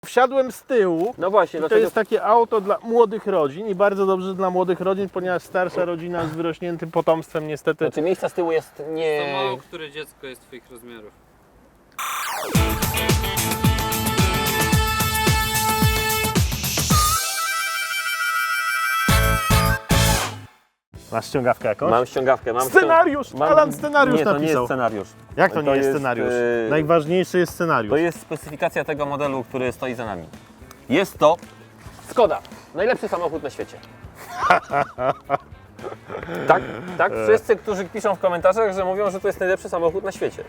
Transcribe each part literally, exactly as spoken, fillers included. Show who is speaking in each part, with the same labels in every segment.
Speaker 1: Wsiadłem z tyłu.
Speaker 2: No właśnie,
Speaker 1: I to
Speaker 2: dlaczego...
Speaker 1: jest takie auto dla młodych rodzin i bardzo dobrze dla młodych rodzin, ponieważ starsza rodzina z wyrośniętym potomstwem niestety...
Speaker 2: Znaczy miejsca z tyłu jest nie...
Speaker 3: To mało które dziecko jest twoich rozmiarów.
Speaker 1: Masz ściągawkę jakąś?
Speaker 2: Mam ściągawkę, mam...
Speaker 1: Scenariusz!
Speaker 2: ścią- mam...
Speaker 1: Alan scenariusz
Speaker 2: Nie, to
Speaker 1: napisał.
Speaker 2: nie jest scenariusz.
Speaker 1: Jak to nie
Speaker 2: to
Speaker 1: jest
Speaker 2: jest,
Speaker 1: scenariusz?
Speaker 2: yy,
Speaker 1: Najważniejszy jest scenariusz.
Speaker 2: To jest specyfikacja tego modelu, który stoi za nami. Jest to Skoda. Najlepszy samochód na świecie. Tak, tak. Wszyscy, którzy piszą w komentarzach, że mówią, że to jest najlepszy samochód na świecie.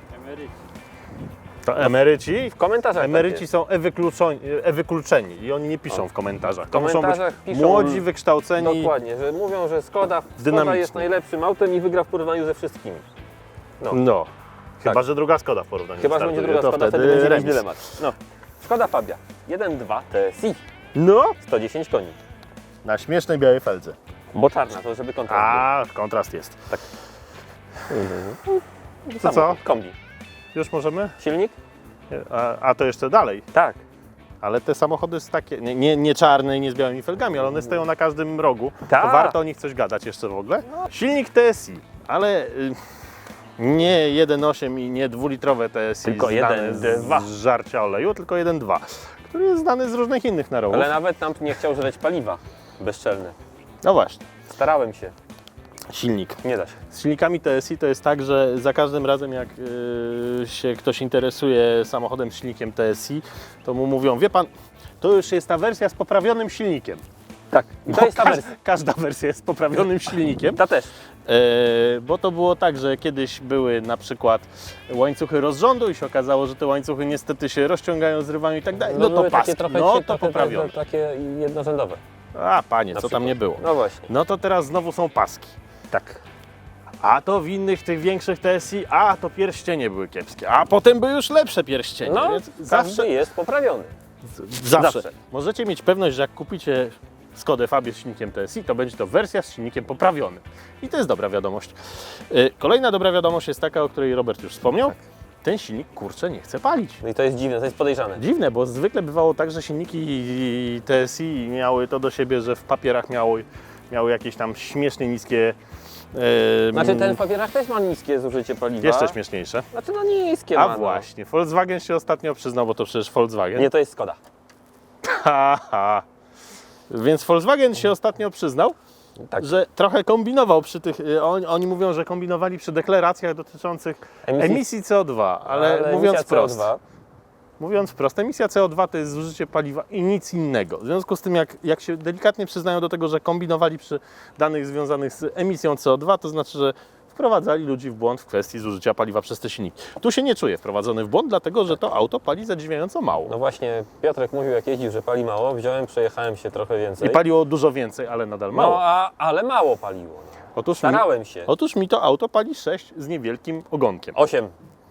Speaker 1: To emeryci?
Speaker 2: W komentarzach
Speaker 1: Emeryci
Speaker 2: tak
Speaker 1: są e-wykluczeni, e-wykluczeni i oni nie piszą w komentarzach. To
Speaker 2: W
Speaker 1: muszą być
Speaker 2: komentarzach piszą-
Speaker 1: młodzi, wykształceni.
Speaker 2: Dokładnie, że mówią, że Skoda, Skoda
Speaker 1: Dynamiczni.
Speaker 2: jest najlepszym autem i wygra w porównaniu ze wszystkimi. No.
Speaker 1: No. Chyba,
Speaker 2: Tak.
Speaker 1: że druga Skoda w porównaniu
Speaker 2: Chyba, że
Speaker 1: startuje,
Speaker 2: będzie druga
Speaker 1: to
Speaker 2: Skoda, wtedy,
Speaker 1: wtedy
Speaker 2: będzie mieć
Speaker 1: remis.
Speaker 2: dylemat. No. Skoda Fabia jeden dwa T S I,
Speaker 1: No,
Speaker 2: sto dziesięć koni.
Speaker 1: na śmiesznej białej feldze.
Speaker 2: Bo czarna, to żeby kontrast
Speaker 1: A, kontrast jest.
Speaker 2: był.
Speaker 1: To co?
Speaker 2: Samochód, kombi.
Speaker 1: Już możemy?
Speaker 2: Silnik?
Speaker 1: A, a to jeszcze dalej.
Speaker 2: Tak.
Speaker 1: Ale te samochody są takie, nie, nie, nie czarne i nie z białymi felgami, ale one stoją na każdym rogu.
Speaker 2: Tak.
Speaker 1: To warto o nich coś gadać jeszcze w ogóle. Silnik T S I, ale y, nie jeden przecinek osiem i nie dwulitrowe T S I
Speaker 2: Tylko
Speaker 1: znane
Speaker 2: jeden dwa.
Speaker 1: z, z żarcia oleju, tylko jeden dwa, który jest znany z różnych innych narowów.
Speaker 2: Ale nawet nam nie chciał żreć paliwa bezczelne.
Speaker 1: No właśnie,
Speaker 2: Starałem się.
Speaker 1: silnik.
Speaker 2: Nie da się.
Speaker 1: Z silnikami T S I to jest tak, że za każdym razem jak y, się ktoś interesuje samochodem z silnikiem T S I, to mu mówią, wie pan, to już jest ta wersja z poprawionym silnikiem.
Speaker 2: Tak. I to
Speaker 1: Bo
Speaker 2: jest ta
Speaker 1: każ-
Speaker 2: wersja.
Speaker 1: Każda wersja jest z poprawionym silnikiem.
Speaker 2: Ta też.
Speaker 1: E, bo to było tak, że kiedyś były na przykład łańcuchy rozrządu i się okazało, że te łańcuchy niestety się rozciągają, zrywają i tak dalej. No, to
Speaker 2: były
Speaker 1: paski,
Speaker 2: takie trochę,
Speaker 1: no to
Speaker 2: trochę,
Speaker 1: poprawione.
Speaker 2: trochę takie jednorzędowe.
Speaker 1: A panie,
Speaker 2: na
Speaker 1: co tam
Speaker 2: przykład.
Speaker 1: nie było.
Speaker 2: No właśnie.
Speaker 1: No to teraz znowu są paski.
Speaker 2: Tak.
Speaker 1: A to w innych tych większych T S I, a to pierścienie były kiepskie, a potem były już lepsze pierścienie.
Speaker 2: No,
Speaker 1: Więc
Speaker 2: zawsze
Speaker 1: zawsze,
Speaker 2: jest poprawiony.
Speaker 1: zawsze,
Speaker 2: zawsze.
Speaker 1: możecie mieć pewność, że jak kupicie Skodę Fabię z silnikiem T S I, to będzie to wersja z silnikiem poprawionym. I to jest dobra wiadomość. Yy, Kolejna dobra wiadomość jest taka, o której Robert już wspomniał.
Speaker 2: Tak.
Speaker 1: Ten silnik, kurczę, nie chce palić.
Speaker 2: No i to jest dziwne, to jest podejrzane.
Speaker 1: Dziwne, bo zwykle bywało tak, że silniki T S I miały to do siebie, że w papierach miały, miały jakieś tam śmiesznie niskie... Yy,
Speaker 2: Znaczy ten w papierach też ma niskie zużycie paliwa.
Speaker 1: Jeszcze śmieszniejsze.
Speaker 2: Znaczy no niskie
Speaker 1: A
Speaker 2: ma, no.
Speaker 1: właśnie, Volkswagen się ostatnio przyznał, bo to przecież Volkswagen.
Speaker 2: Nie, to jest Skoda.
Speaker 1: Haha. Więc Volkswagen się ostatnio przyznał,
Speaker 2: Tak.
Speaker 1: że trochę kombinował przy tych, y, on, oni mówią, że kombinowali przy deklaracjach dotyczących
Speaker 2: Emisji-
Speaker 1: emisji C O dwa, ale,
Speaker 2: Ale
Speaker 1: mówiąc
Speaker 2: emisja
Speaker 1: wprost,
Speaker 2: C O dwa.
Speaker 1: mówiąc wprost, emisja C O dwa to jest zużycie paliwa i nic innego. W związku z tym, jak, jak się delikatnie przyznają do tego, że kombinowali przy danych związanych z emisją C O dwa, to znaczy, że wprowadzali ludzi w błąd w kwestii zużycia paliwa przez te silniki. Tu się nie czuję wprowadzony w błąd, dlatego że to auto pali zadziwiająco mało.
Speaker 2: No właśnie, Piotrek mówił jak jeździł, że pali mało. Wziąłem, przejechałem się trochę więcej.
Speaker 1: I paliło dużo więcej, ale nadal mało.
Speaker 2: No, a, ale mało paliło. No.
Speaker 1: Otóż, mi,
Speaker 2: Starałem się.
Speaker 1: otóż mi to auto pali sześć z niewielkim ogonkiem.
Speaker 2: osiem.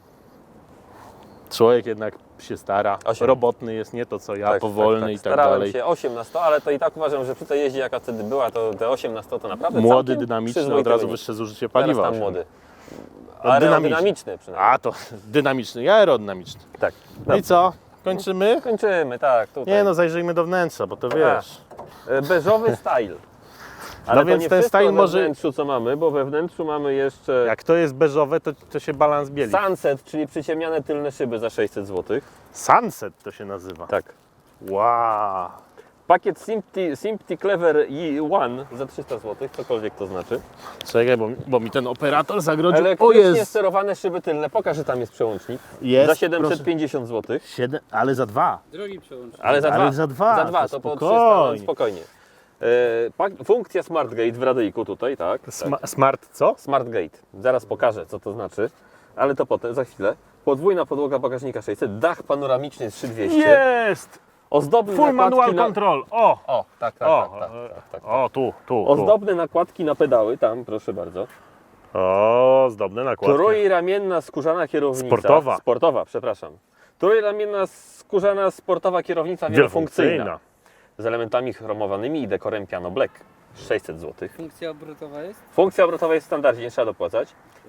Speaker 1: Człowiek jednak się stara,
Speaker 2: Osiem.
Speaker 1: robotny jest, nie to co ja,
Speaker 2: Tak,
Speaker 1: powolny
Speaker 2: tak, tak.
Speaker 1: i tak
Speaker 2: Starałem
Speaker 1: dalej.
Speaker 2: się osiem na sto, ale to i tak uważam, że przy tej jeździe jaka wtedy była, to te osiem na sto to naprawdę
Speaker 1: Młody,
Speaker 2: całkiem
Speaker 1: dynamiczny,
Speaker 2: przyzwoity
Speaker 1: od razu
Speaker 2: wynik.
Speaker 1: wyższe zużycie
Speaker 2: Teraz
Speaker 1: paliwa.
Speaker 2: tam
Speaker 1: osiągnął.
Speaker 2: młody.
Speaker 1: No,
Speaker 2: Aerodynamiczny przynajmniej.
Speaker 1: A to dynamiczny i aerodynamiczny.
Speaker 2: Tak.
Speaker 1: No i co? Kończymy?
Speaker 2: Kończymy, tak, tutaj.
Speaker 1: Nie no, zajrzyjmy do wnętrza, bo to wiesz.
Speaker 2: E, Beżowy style. Ale
Speaker 1: No
Speaker 2: to
Speaker 1: więc
Speaker 2: nie
Speaker 1: ten
Speaker 2: wszystko
Speaker 1: style
Speaker 2: we
Speaker 1: może-
Speaker 2: wnętrzu co mamy, bo we wnętrzu mamy jeszcze
Speaker 1: Jak to jest beżowe, to, to się balans bieli.
Speaker 2: Sunset, czyli przyciemniane tylne szyby za sześćset złotych.
Speaker 1: Sunset to się nazywa.
Speaker 2: Tak.
Speaker 1: Wow.
Speaker 2: Pakiet Simpty, Simpty Clever E jeden za trzysta złotych, cokolwiek to znaczy.
Speaker 1: Czekaj, bo, bo mi ten operator zagrodził. O
Speaker 2: Elektrycznie
Speaker 1: jest!
Speaker 2: sterowane szyby tylne, pokaż, że tam jest przełącznik.
Speaker 1: Jest,
Speaker 2: za siedemset pięćdziesiąt złotych.
Speaker 1: Siedem, ale za dwa.
Speaker 3: Drogi przełącznik.
Speaker 2: Ale za
Speaker 1: Ale
Speaker 2: dwa.
Speaker 1: za dwa,
Speaker 2: Za dwa,
Speaker 1: to
Speaker 2: to, po
Speaker 1: spokojnie.
Speaker 2: trzysta, no, spokojnie. E, pak- funkcja SmartGate w radyjku tutaj, tak.
Speaker 1: Sma-
Speaker 2: tak.
Speaker 1: smart co?
Speaker 2: SmartGate. Zaraz pokażę, co to znaczy, ale to potem, za chwilę. Podwójna podłoga bagażnika sześćset, dach panoramiczny trzy dwieście.
Speaker 1: Jest!
Speaker 2: Ozdobne
Speaker 1: Full
Speaker 2: nakładki
Speaker 1: manual
Speaker 2: na...
Speaker 1: control. O!
Speaker 2: O, tak, tak,
Speaker 1: O,
Speaker 2: tak, tak, tak, tak.
Speaker 1: o, tu, tu, tu.
Speaker 2: Ozdobne nakładki na pedały, tam proszę bardzo.
Speaker 1: O, zdobne nakładki.
Speaker 2: Trójramienna skórzana kierownica.
Speaker 1: Sportowa.
Speaker 2: Sportowa, przepraszam. Trójramienna skórzana sportowa kierownica wielofunkcyjna. Z elementami chromowanymi i dekorem piano black. sześćset złotych.
Speaker 3: Funkcja obrotowa jest?
Speaker 2: Funkcja obrotowa jest w standardzie, nie trzeba dopłacać.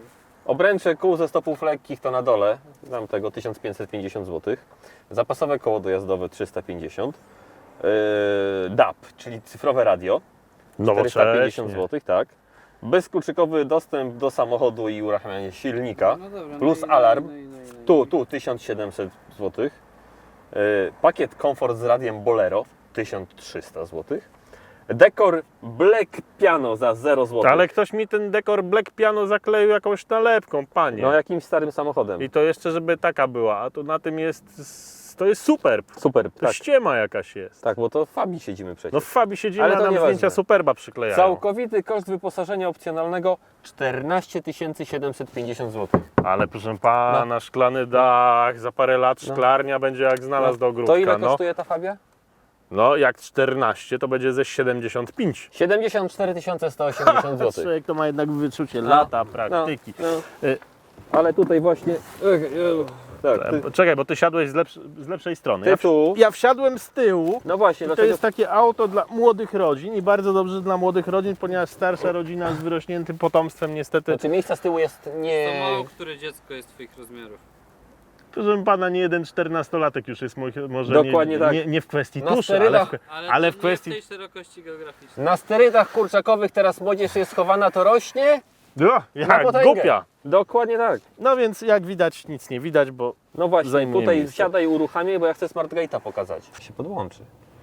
Speaker 2: Obręcze kół ze stopów lekkich to na dole, dam tego tysiąc pięćset pięćdziesiąt złotych. Zapasowe koło dojazdowe trzysta pięćdziesiąt. Yy, D A P, czyli cyfrowe radio, czterysta pięćdziesiąt złotych, tak. Bezkluczykowy dostęp do samochodu i uruchamianie silnika,
Speaker 3: No dobra,
Speaker 2: plus
Speaker 3: no i-
Speaker 2: alarm.
Speaker 3: no i- no i- no i-
Speaker 2: Tu, tu tysiąc siedemset złotych. Yy, pakiet komfort z radiem Bolero tysiąc trzysta złotych. Dekor Black Piano za zero złotych.
Speaker 1: Ale ktoś mi ten dekor Black Piano zakleił jakąś nalepką, panie.
Speaker 2: No jakimś starym samochodem.
Speaker 1: I to jeszcze, żeby taka była, a to na tym jest, to jest Superb.
Speaker 2: Super,
Speaker 1: To
Speaker 2: tak.
Speaker 1: ściema jakaś jest.
Speaker 2: Tak, bo to w Fabii siedzimy przecież.
Speaker 1: No w Fabii siedzimy,
Speaker 2: Ale
Speaker 1: a
Speaker 2: to
Speaker 1: nam
Speaker 2: nieważne.
Speaker 1: zdjęcia Superba przyklejają.
Speaker 2: Całkowity koszt wyposażenia opcjonalnego czternaście tysięcy siedemset pięćdziesiąt złotych.
Speaker 1: Ale proszę pana, szklany dach, za parę lat
Speaker 2: No.
Speaker 1: szklarnia będzie jak znalazł do ogródka.
Speaker 2: To ile
Speaker 1: no.
Speaker 2: kosztuje ta Fabia?
Speaker 1: no jak czternaście to będzie ze siedemdziesiąt pięć.
Speaker 2: siedemdziesiąt cztery tysiące sto osiemdziesiąt złotych.
Speaker 1: Człowiek to ma jednak wyczucie
Speaker 2: No.
Speaker 1: lata praktyki.
Speaker 2: No, no.
Speaker 1: Y-
Speaker 2: Ale tutaj właśnie... Ech, ech, tak, ty,
Speaker 1: Czekaj, bo ty siadłeś z, lepsz, z lepszej strony.
Speaker 2: ty
Speaker 1: Ja,
Speaker 2: tu...
Speaker 1: ja wsiadłem z tyłu.
Speaker 2: No właśnie,
Speaker 1: I to
Speaker 2: dlaczego...
Speaker 1: jest takie auto dla młodych rodzin i bardzo dobrze dla młodych rodzin, ponieważ starsza rodzina z wyrośniętym potomstwem niestety,
Speaker 2: Znaczy miejsca z tyłu jest nie...
Speaker 3: To mało które dziecko jest twoich rozmiarów.
Speaker 1: proszę pana, nie jeden czternastolatek już jest mój, może
Speaker 2: Dokładnie
Speaker 1: nie,
Speaker 2: tak.
Speaker 1: nie, nie w kwestii
Speaker 2: Na
Speaker 1: tuszy, ale w,
Speaker 2: sterydach-
Speaker 1: kwe-
Speaker 3: Ale,
Speaker 1: ale
Speaker 3: to
Speaker 1: w kwestii...
Speaker 3: nie w tej szerokości geograficznej.
Speaker 2: Na sterydach kurczakowych teraz młodzież jest schowana, to rośnie?
Speaker 1: No,
Speaker 2: Na
Speaker 1: jak
Speaker 2: potęgę.
Speaker 1: głupia.
Speaker 2: Dokładnie tak.
Speaker 1: No więc jak widać nic nie widać, bo
Speaker 2: No właśnie,
Speaker 1: Zajmuje
Speaker 2: tutaj
Speaker 1: miejsce.
Speaker 2: siadaj, uruchamiaj, bo ja chcę Smart Gate'a pokazać. Się podłączy.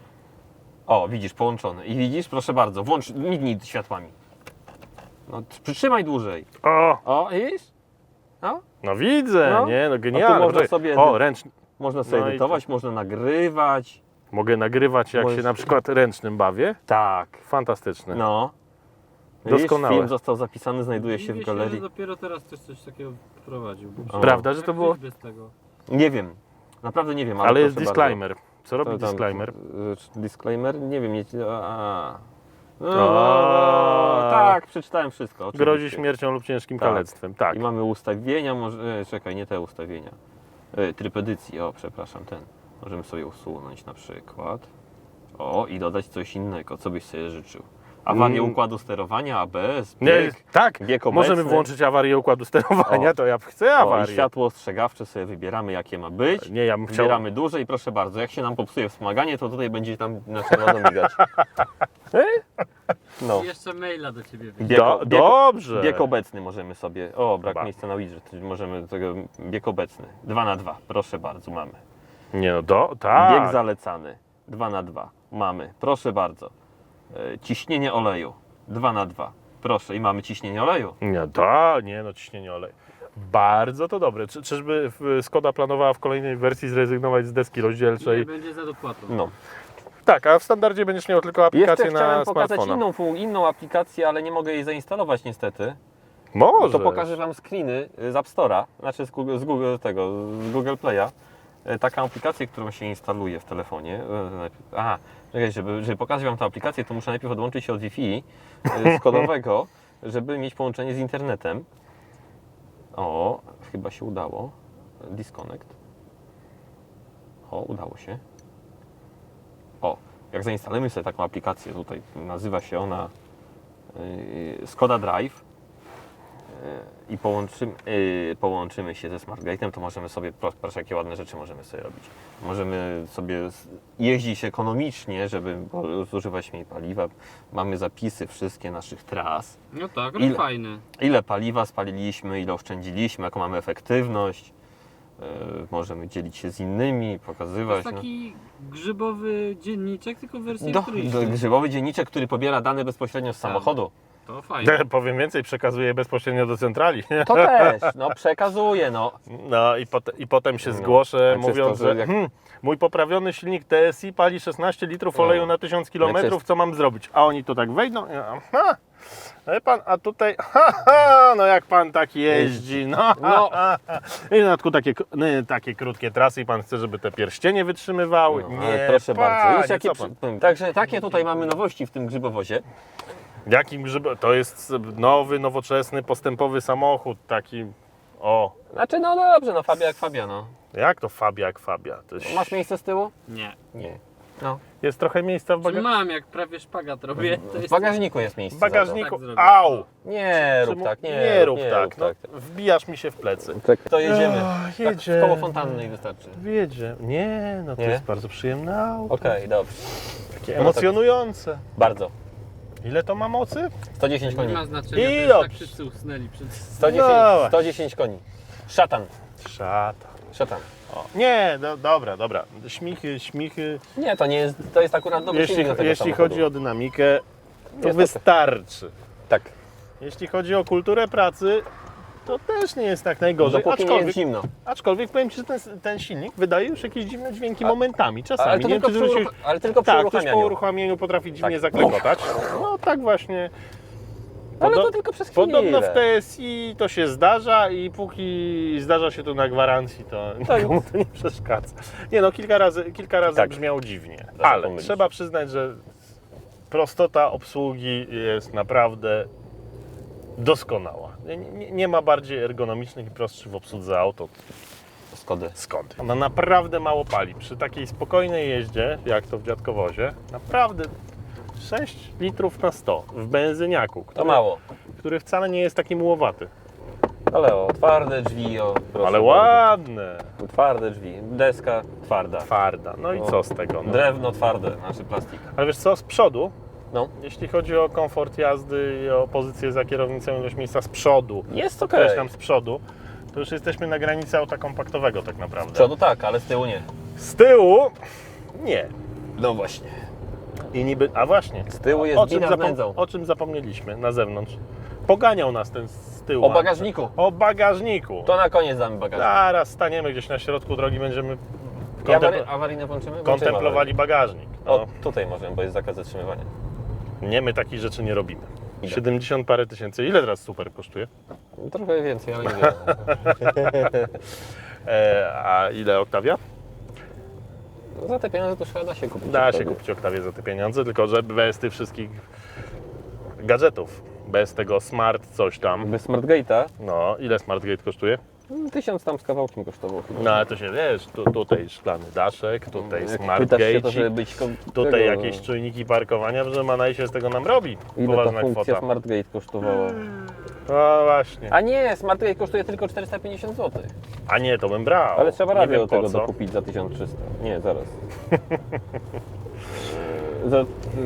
Speaker 2: O, widzisz, połączony. I widzisz, proszę bardzo, włącz, mignij światłami. No, przytrzymaj dłużej.
Speaker 1: o,
Speaker 2: O, widzisz? No,
Speaker 1: no widzę,
Speaker 2: No.
Speaker 1: nie, no
Speaker 2: A tu
Speaker 1: genialne.
Speaker 2: można
Speaker 1: Poczekaj.
Speaker 2: sobie-
Speaker 1: O, ręczny.
Speaker 2: można sobie
Speaker 1: No i
Speaker 2: edytować, można nagrywać.
Speaker 1: Mogę nagrywać jak
Speaker 2: Możesz-
Speaker 1: się na przykład ręcznym bawię.
Speaker 2: Tak.
Speaker 1: Fantastyczne.
Speaker 2: No. Widzisz,
Speaker 1: Doskonałe.
Speaker 2: film został zapisany, znajduje się
Speaker 3: Dziwię
Speaker 2: w galerii.
Speaker 3: że dopiero teraz ktoś coś takiego wprowadził.
Speaker 2: O.
Speaker 1: Prawda, że
Speaker 3: Jak
Speaker 1: to było...
Speaker 3: wyjść bez tego?
Speaker 2: Nie wiem. Naprawdę nie wiem, ale,
Speaker 1: Ale jest
Speaker 2: proszę
Speaker 1: disclaimer. Co
Speaker 2: bardzo.
Speaker 1: robi
Speaker 2: To tam,
Speaker 1: disclaimer?
Speaker 2: y, Disclaimer? Nie wiem. Nie, a. No,
Speaker 1: A.
Speaker 2: tak, przeczytałem wszystko. Oczywiście.
Speaker 1: Grozi śmiercią lub ciężkim
Speaker 2: Tak.
Speaker 1: kalectwem. Tak.
Speaker 2: I mamy ustawienia, może, e, czekaj, nie te ustawienia. E, tryb edycji, o przepraszam, ten. Możemy sobie usunąć na przykład. O, i dodać coś innego, co byś sobie życzył. Awarię
Speaker 1: Mm.
Speaker 2: układu sterowania, A B S,
Speaker 1: Nie,
Speaker 2: bieg,
Speaker 1: tak,
Speaker 2: bieg
Speaker 1: możemy
Speaker 2: obecny.
Speaker 1: włączyć awarię układu sterowania,
Speaker 2: O.
Speaker 1: to ja chcę
Speaker 2: O, i
Speaker 1: awarię.
Speaker 2: światło ostrzegawcze sobie wybieramy, jakie ma być.
Speaker 1: Nie, ja bym chciał...
Speaker 2: Wybieramy duże i proszę bardzo, jak się nam popsuje wspomaganie, to tutaj będzie tam na czerwono migać. No.
Speaker 3: I jeszcze maila do ciebie wyjdzie.
Speaker 2: Bieg,
Speaker 1: Do,
Speaker 2: bieg,
Speaker 1: dobrze.
Speaker 2: bieg obecny możemy sobie. O, brak
Speaker 1: Chyba.
Speaker 2: miejsca na widget. Możemy tego bieg obecny. dwa na dwa, proszę bardzo, mamy.
Speaker 1: Nie no, do, tak.
Speaker 2: Bieg zalecany. dwa na dwa. Mamy. Proszę bardzo. E, ciśnienie oleju. dwa na dwa. Proszę, i mamy ciśnienie oleju.
Speaker 1: Nie, to, nie no, ciśnienie oleju. Bardzo to dobre. Czy, czyżby w- Skoda planowała w kolejnej wersji zrezygnować z deski
Speaker 3: Nie,
Speaker 1: rozdzielczej?
Speaker 3: będzie za dopłatą.
Speaker 2: No.
Speaker 1: Tak, a w standardzie będziesz miał tylko
Speaker 2: Jeszcze
Speaker 1: aplikację
Speaker 2: chciałem
Speaker 1: na
Speaker 2: pokazać
Speaker 1: smartfona.
Speaker 2: inną, fu- inną aplikację, ale nie mogę jej zainstalować niestety.
Speaker 1: Może.
Speaker 2: To pokażę Wam screeny z App Store'a, znaczy z Google, z Google, tego, z Google Play'a. E, Taką aplikację, którą się instaluje w telefonie. E, najpierw- Aha, czekaj, żeby, żeby pokazać Wam tę aplikację, to muszę najpierw odłączyć się od Wi-Fi e, skodowego, żeby mieć połączenie z internetem. O, chyba się udało. Disconnect. O, udało się. O, jak zainstalujemy sobie taką aplikację, tutaj nazywa się ona yy, Skoda Drive yy, i połączymy, yy, połączymy się ze SmartGate'em, to możemy sobie, pro- proszę jakie ładne rzeczy możemy sobie robić. Możemy sobie s- jeździć ekonomicznie, żeby po- zużywać mniej paliwa. Mamy zapisy wszystkie naszych tras.
Speaker 3: No tak,
Speaker 2: Ile?
Speaker 3: no fajne.
Speaker 2: Ile paliwa spaliliśmy, ile oszczędziliśmy, jaką mamy efektywność. Yy, możemy dzielić się z innymi,
Speaker 3: To
Speaker 2: pokazywać.
Speaker 3: jest taki grzybowy dzienniczek, tylko w wersji
Speaker 2: no. do,
Speaker 3: elektronicznej.
Speaker 2: do, grzybowy dzienniczek, który pobiera dane bezpośrednio z
Speaker 3: Tak.
Speaker 2: samochodu.
Speaker 3: To fajne.
Speaker 1: Te, powiem więcej, przekazuje bezpośrednio do centrali.
Speaker 2: To też, no przekazuje, no.
Speaker 1: No i, pot, i potem się
Speaker 2: No,
Speaker 1: zgłoszę,
Speaker 2: a
Speaker 1: mówiąc,
Speaker 2: czysto, że
Speaker 1: że
Speaker 2: jak-
Speaker 1: hmm, mój poprawiony silnik T S I pali szesnaście litrów
Speaker 2: No.
Speaker 1: oleju na tysiąc kilometrów, co mam zrobić? A oni tu tak wejdą, i ja, ha, wie pan, a tutaj, ha, ha, no jak pan tak jeździ, no,
Speaker 2: No.
Speaker 1: no. Ha, ha. I na dodatku takie, no, takie krótkie trasy i pan chce, żeby te pierścienie wytrzymywały?
Speaker 2: no
Speaker 1: Nie,
Speaker 2: ale proszę bardzo.
Speaker 1: panie,
Speaker 2: Już jakie
Speaker 1: co
Speaker 2: przy...
Speaker 1: pan?
Speaker 2: Także takie tutaj mamy nowości w tym grzybowozie.
Speaker 1: Jakim grzyb... To jest nowy, nowoczesny, postępowy samochód, taki, o,
Speaker 2: Znaczy, no dobrze, no Fabia jak Fabia, no.
Speaker 1: jak to Fabia jak Fabia? To jest...
Speaker 2: Masz miejsce z tyłu?
Speaker 3: Nie.
Speaker 2: Nie. No.
Speaker 1: Jest trochę miejsca w,
Speaker 3: Czy
Speaker 1: baga...
Speaker 3: mam, jak prawie szpagat robię, to
Speaker 2: W
Speaker 3: jest...
Speaker 2: bagażniku jest miejsce.
Speaker 1: w bagażniku.
Speaker 3: Tak zrobię.
Speaker 1: Au!
Speaker 2: Nie rób
Speaker 1: Czy mu-
Speaker 2: tak, nie,
Speaker 1: nie rób
Speaker 2: nie
Speaker 1: tak.
Speaker 2: rób
Speaker 1: No,
Speaker 2: tak.
Speaker 1: wbijasz mi się w plecy.
Speaker 2: Tak. To jedziemy.
Speaker 1: Ach,
Speaker 2: Tak,
Speaker 1: jedzie.
Speaker 2: w koło fontannej wystarczy.
Speaker 1: Wiedzie. Nie, no to
Speaker 2: Nie?
Speaker 1: jest bardzo przyjemne auto.
Speaker 2: Okej, dobrze.
Speaker 1: Takie emocjonujące.
Speaker 2: Bardzo.
Speaker 1: Ile to ma mocy?
Speaker 2: sto dziesięć
Speaker 3: Nie
Speaker 2: koni.
Speaker 3: ma znaczenia,
Speaker 1: I
Speaker 3: to jest tak
Speaker 1: dobrze.
Speaker 3: wszyscy usnęli przed...
Speaker 2: sto dziesięć,
Speaker 1: No.
Speaker 2: sto dziesięć koni. Szatan.
Speaker 1: Szata.
Speaker 2: Szatan.
Speaker 1: O. Nie, do, dobra, dobra. Śmichy, śmichy.
Speaker 2: Nie, to nie jest, to jest akurat dobry
Speaker 1: Jeśli,
Speaker 2: silnik do tego
Speaker 1: jeśli
Speaker 2: samochodu.
Speaker 1: chodzi o dynamikę, to
Speaker 2: Niestety.
Speaker 1: wystarczy.
Speaker 2: Tak.
Speaker 1: Jeśli chodzi o kulturę pracy, to też nie jest tak najgorzej.
Speaker 2: Dopóki nie
Speaker 1: Aczkolwiek,
Speaker 2: jest zimno.
Speaker 1: aczkolwiek powiem Ci, że ten, ten silnik wydaje już jakieś dziwne dźwięki momentami, czasami.
Speaker 2: Ale, to
Speaker 1: nie wiem,
Speaker 2: tylko,
Speaker 1: czy
Speaker 2: przy
Speaker 1: zwróciłeś...
Speaker 2: uruch- ale tylko przy
Speaker 1: Tak, ktoś po
Speaker 2: uruchamianiu.
Speaker 1: uruchamieniu potrafi dziwnie
Speaker 2: Tak.
Speaker 1: zaklekotać. No tak właśnie.
Speaker 2: Ale
Speaker 1: Podo-
Speaker 2: to tylko przez chwilę.
Speaker 1: Podobno w T S I to się zdarza i póki zdarza się to na gwarancji, to
Speaker 2: Tak.
Speaker 1: nikomu to nie przeszkadza. Nie no, kilka razy, kilka razy
Speaker 2: Tak.
Speaker 1: brzmiało dziwnie,
Speaker 2: Da się
Speaker 1: ale
Speaker 2: pomylić.
Speaker 1: trzeba przyznać, że prostota obsługi jest naprawdę doskonała. Nie, nie, nie ma bardziej ergonomicznych i prostszych w obsłudze aut od
Speaker 2: Skody.
Speaker 1: Skody. Ona naprawdę mało pali. Przy takiej spokojnej jeździe, jak to w dziadkowozie, naprawdę sześć litrów na sto w benzyniaku,
Speaker 2: To
Speaker 1: który,
Speaker 2: mało.
Speaker 1: który wcale nie jest taki mułowaty.
Speaker 2: Ale o, twarde drzwi, o. proszę
Speaker 1: Ale
Speaker 2: bardzo.
Speaker 1: ładne.
Speaker 2: Twarde drzwi. Deska twarda.
Speaker 1: Twarda. No i
Speaker 2: O.
Speaker 1: co z tego? No.
Speaker 2: Drewno twarde, znaczy plastik.
Speaker 1: Ale wiesz co, z przodu,
Speaker 2: No.
Speaker 1: jeśli chodzi o komfort jazdy i o pozycję za kierownicą, ilość miejsca z przodu,
Speaker 2: Jest okej.
Speaker 1: podkreślam z przodu, to już jesteśmy na granicy auta kompaktowego tak
Speaker 2: Z
Speaker 1: naprawdę.
Speaker 2: przodu tak, ale z tyłu nie.
Speaker 1: Z tyłu nie.
Speaker 2: No właśnie.
Speaker 1: I niby, a właśnie,
Speaker 2: Z tyłu jest
Speaker 1: o czym,
Speaker 2: bina z
Speaker 1: zapom-
Speaker 2: nędzą.
Speaker 1: o czym zapomnieliśmy na zewnątrz. Poganiał nas ten z tyłu.
Speaker 2: O bagażniku.
Speaker 1: O bagażniku.
Speaker 2: To na koniec damy bagażnik.
Speaker 1: Zaraz staniemy gdzieś na środku drogi, będziemy
Speaker 2: I
Speaker 1: kontempl-
Speaker 2: awary, awaryjne włączymy? Włączymy
Speaker 1: kontemplowali bagażnik.
Speaker 2: awaryjne.
Speaker 1: No,
Speaker 2: O, tutaj możemy, bo jest zakaz zatrzymywania.
Speaker 1: nie, my takich rzeczy nie robimy.
Speaker 2: Ile?
Speaker 1: siedemdziesiąt parę tysięcy. Ile teraz super kosztuje?
Speaker 2: Trochę więcej, ale nie wiem.
Speaker 1: E, a ile Octavia?
Speaker 2: No, za te pieniądze to chyba da się kupić.
Speaker 1: Da się
Speaker 2: wtedy.
Speaker 1: kupić Octavię za te pieniądze, tylko że bez tych wszystkich gadżetów. Bez tego smart coś tam.
Speaker 2: Bez SmartGate'a
Speaker 1: No, ile SmartGate kosztuje?
Speaker 2: no, tysiąc tam z kawałkiem kosztował chyba.
Speaker 1: No ale to się wiesz, tu, tutaj szklany daszek, tutaj
Speaker 2: Jak
Speaker 1: smart
Speaker 2: pytasz się, to
Speaker 1: gate,
Speaker 2: żeby być kom-
Speaker 1: tutaj
Speaker 2: tego,
Speaker 1: jakieś czujniki parkowania, że Manaj się z tego nam robi.
Speaker 2: Ile ta
Speaker 1: Poważna
Speaker 2: funkcja
Speaker 1: kwota.
Speaker 2: SmartGate kosztowała?
Speaker 1: No właśnie.
Speaker 2: A nie, SmartGate kosztuje tylko czterysta pięćdziesiąt złotych.
Speaker 1: A nie, to bym brał.
Speaker 2: Ale trzeba
Speaker 1: Nie
Speaker 2: radio
Speaker 1: wiem
Speaker 2: do
Speaker 1: po
Speaker 2: tego
Speaker 1: co.
Speaker 2: dokupić za tysiąc trzysta. Nie, zaraz. za...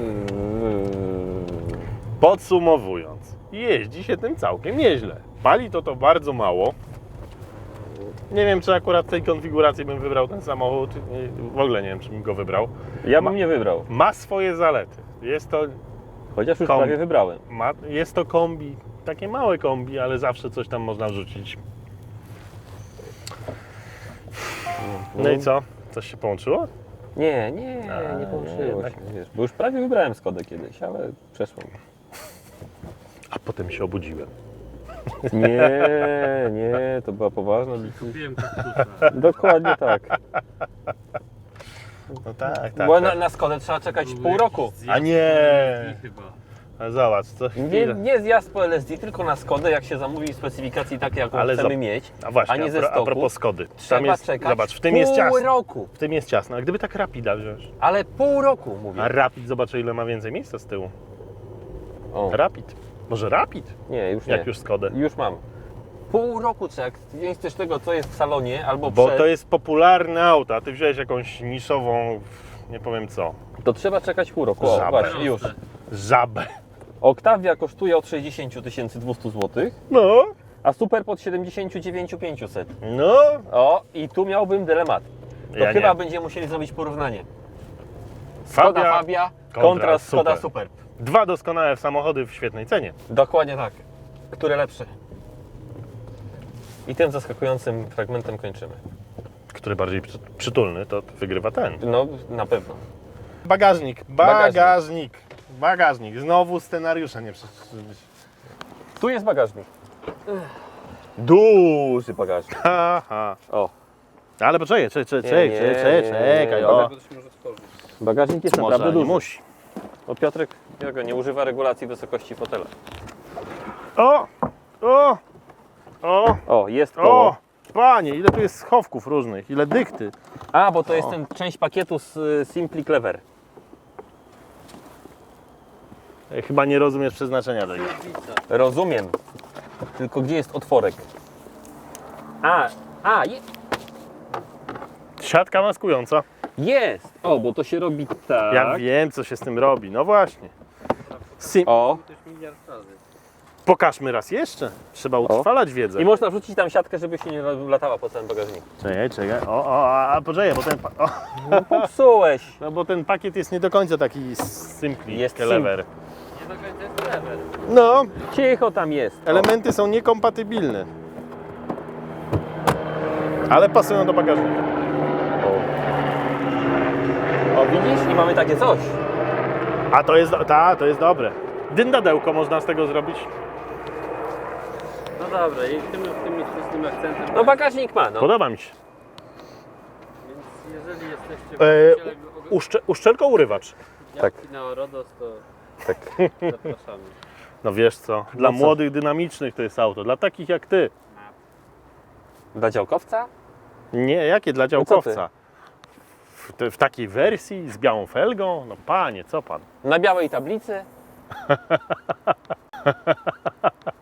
Speaker 1: Podsumowując, jeździ się tym całkiem nieźle. Pali to to bardzo mało. Nie wiem, czy akurat w tej konfiguracji bym wybrał ten samochód. Nie- W ogóle nie wiem, czy bym go wybrał.
Speaker 2: Ja bym nie wybrał.
Speaker 1: Ma swoje zalety. Jest to,
Speaker 2: Chociaż już
Speaker 1: Kom-
Speaker 2: prawie wybrałem.
Speaker 1: ma, jest to kombi, takie małe kombi, ale zawsze coś tam można wrzucić. No i co? Coś się połączyło?
Speaker 2: Nie, nie,
Speaker 1: A,
Speaker 2: nie połączyło
Speaker 1: jednak.
Speaker 2: się. Wiesz, bo już prawie wybrałem Skodę kiedyś, ale przeszło mi.
Speaker 1: A potem się obudziłem.
Speaker 2: Nie, nie, to była poważna decyzja.
Speaker 3: Kupiłem kaktusa.
Speaker 2: Dokładnie tak.
Speaker 1: No tak, tak.
Speaker 2: Bo
Speaker 1: tak.
Speaker 2: na, na Skodę trzeba czekać
Speaker 3: Był
Speaker 2: pół
Speaker 3: jakiś
Speaker 2: roku.
Speaker 3: zjazd
Speaker 1: A nie.
Speaker 3: i chyba.
Speaker 1: Ale zobacz, co
Speaker 2: Nie,
Speaker 1: chwilę.
Speaker 2: nie zjazd po L S D, tylko na Skodę, jak się zamówi specyfikacji takie, jaką
Speaker 1: Ale
Speaker 2: chcemy
Speaker 1: za-
Speaker 2: mieć.
Speaker 1: A właśnie,
Speaker 2: a nie
Speaker 1: a,
Speaker 2: ze
Speaker 1: pro, a
Speaker 2: stoku.
Speaker 1: propos Skody.
Speaker 2: Trzeba
Speaker 1: Tam jest,
Speaker 2: czekać
Speaker 1: zobacz, w tym
Speaker 2: pół
Speaker 1: jest ciasno.
Speaker 2: roku.
Speaker 1: W tym jest ciasno. A gdyby tak Rapida wziąć?
Speaker 2: Ale pół roku, mówię.
Speaker 1: A Rapid, zobacz, ile ma więcej miejsca z tyłu.
Speaker 2: O,
Speaker 1: Rapid. Może Rapid?
Speaker 2: nie, już nie.
Speaker 1: Jak już Skodę.
Speaker 2: Już mam. Pół roku trzeba, jak wziąć też tego, co jest w salonie, albo
Speaker 1: Bo
Speaker 2: przed,
Speaker 1: to jest popularne auto, a ty wziąłeś jakąś niszową, nie powiem co,
Speaker 2: to trzeba czekać pół roku. O,
Speaker 1: Żabę.
Speaker 2: właśnie, już.
Speaker 1: żabę.
Speaker 2: Octavia kosztuje od sześćdziesiąt tysięcy dwieście złotych,
Speaker 1: No,
Speaker 2: a Super pod siedemdziesiąt dziewięć tysięcy pięćset.
Speaker 1: no.
Speaker 2: O, i tu miałbym dylemat. To
Speaker 1: Ja
Speaker 2: chyba
Speaker 1: nie.
Speaker 2: będziemy musieli zrobić porównanie. Skoda
Speaker 1: Fabia
Speaker 2: Fabia
Speaker 1: kontra
Speaker 2: kontra Skoda
Speaker 1: Super.
Speaker 2: Super.
Speaker 1: Dwa doskonałe samochody w świetnej cenie.
Speaker 2: Dokładnie tak. Które lepsze? I tym zaskakującym fragmentem kończymy.
Speaker 1: Który bardziej przy, przytulny, to wygrywa ten.
Speaker 2: No, na pewno.
Speaker 1: Bagażnik,
Speaker 2: Bagażnik.
Speaker 1: bagażnik, bagażnik. Znowu scenariusza nie przeczytałem.
Speaker 2: Tu jest bagażnik. Duży bagażnik.
Speaker 1: Haha.
Speaker 2: O,
Speaker 1: Ale poczekaj, czekaj, czekaj,
Speaker 2: Nie,
Speaker 1: czekaj,
Speaker 2: nie,
Speaker 1: czekaj,
Speaker 2: nie,
Speaker 1: czekaj,
Speaker 2: nie.
Speaker 1: o.
Speaker 2: bagażnik jest
Speaker 1: Może,
Speaker 2: naprawdę
Speaker 1: nie
Speaker 2: duży.
Speaker 1: musi.
Speaker 2: O, Piotrek Jogo nie używa regulacji wysokości fotela.
Speaker 1: O, o, o,
Speaker 2: O, jest
Speaker 1: o.
Speaker 2: koło.
Speaker 1: panie, ile tu jest schowków różnych, ile dykty.
Speaker 2: A, bo to jest
Speaker 1: O.
Speaker 2: ten część pakietu z y, Simply Clever.
Speaker 1: E, Chyba nie rozumiesz przeznaczenia tego.
Speaker 3: Średnica.
Speaker 2: Rozumiem. Tylko gdzie jest otworek? A, a, je,
Speaker 1: Siatka maskująca.
Speaker 2: jest! O, bo to się robi tak.
Speaker 1: Ja wiem, co się z tym robi. No właśnie. Sim...
Speaker 2: O,
Speaker 3: To już miliard razy.
Speaker 1: Pokażmy raz jeszcze. Trzeba utrwalać wiedzę.
Speaker 2: i można wrzucić tam siatkę, żeby się nie latała po całym bagażniku.
Speaker 1: Czekaj, czekaj. O, o, a, a poczekaj, bo ten, pa- o,
Speaker 2: Popsułeś!
Speaker 1: no bo ten pakiet jest nie do końca taki simply,
Speaker 2: Jest
Speaker 1: clever.
Speaker 3: Nie do końca jest clever.
Speaker 1: No,
Speaker 2: Cicho tam jest. O.
Speaker 1: elementy są niekompatybilne. Ale pasują do bagażnika.
Speaker 2: O, widzisz? I mamy takie coś.
Speaker 1: A to jest, do- ta, to jest dobre. Dyndadełko można z tego zrobić.
Speaker 3: No dobra, i tym optymistycznym akcentem.
Speaker 2: No bagażnik ma, no.
Speaker 1: Podoba mi się.
Speaker 3: Więc jeżeli jesteście
Speaker 1: E,
Speaker 3: właścicielem
Speaker 1: Uszcze, uszczelko urywacz.
Speaker 3: działki na Orodos, to
Speaker 2: Tak.
Speaker 3: zapraszamy.
Speaker 1: No wiesz co, dla
Speaker 2: co?
Speaker 1: młodych, dynamicznych to jest auto. Dla takich jak ty.
Speaker 2: Dla działkowca?
Speaker 1: Nie, jakie dla
Speaker 2: co ty?
Speaker 1: działkowca? W, te, w takiej wersji z białą felgą? No panie, co pan?
Speaker 2: Na białej tablicy?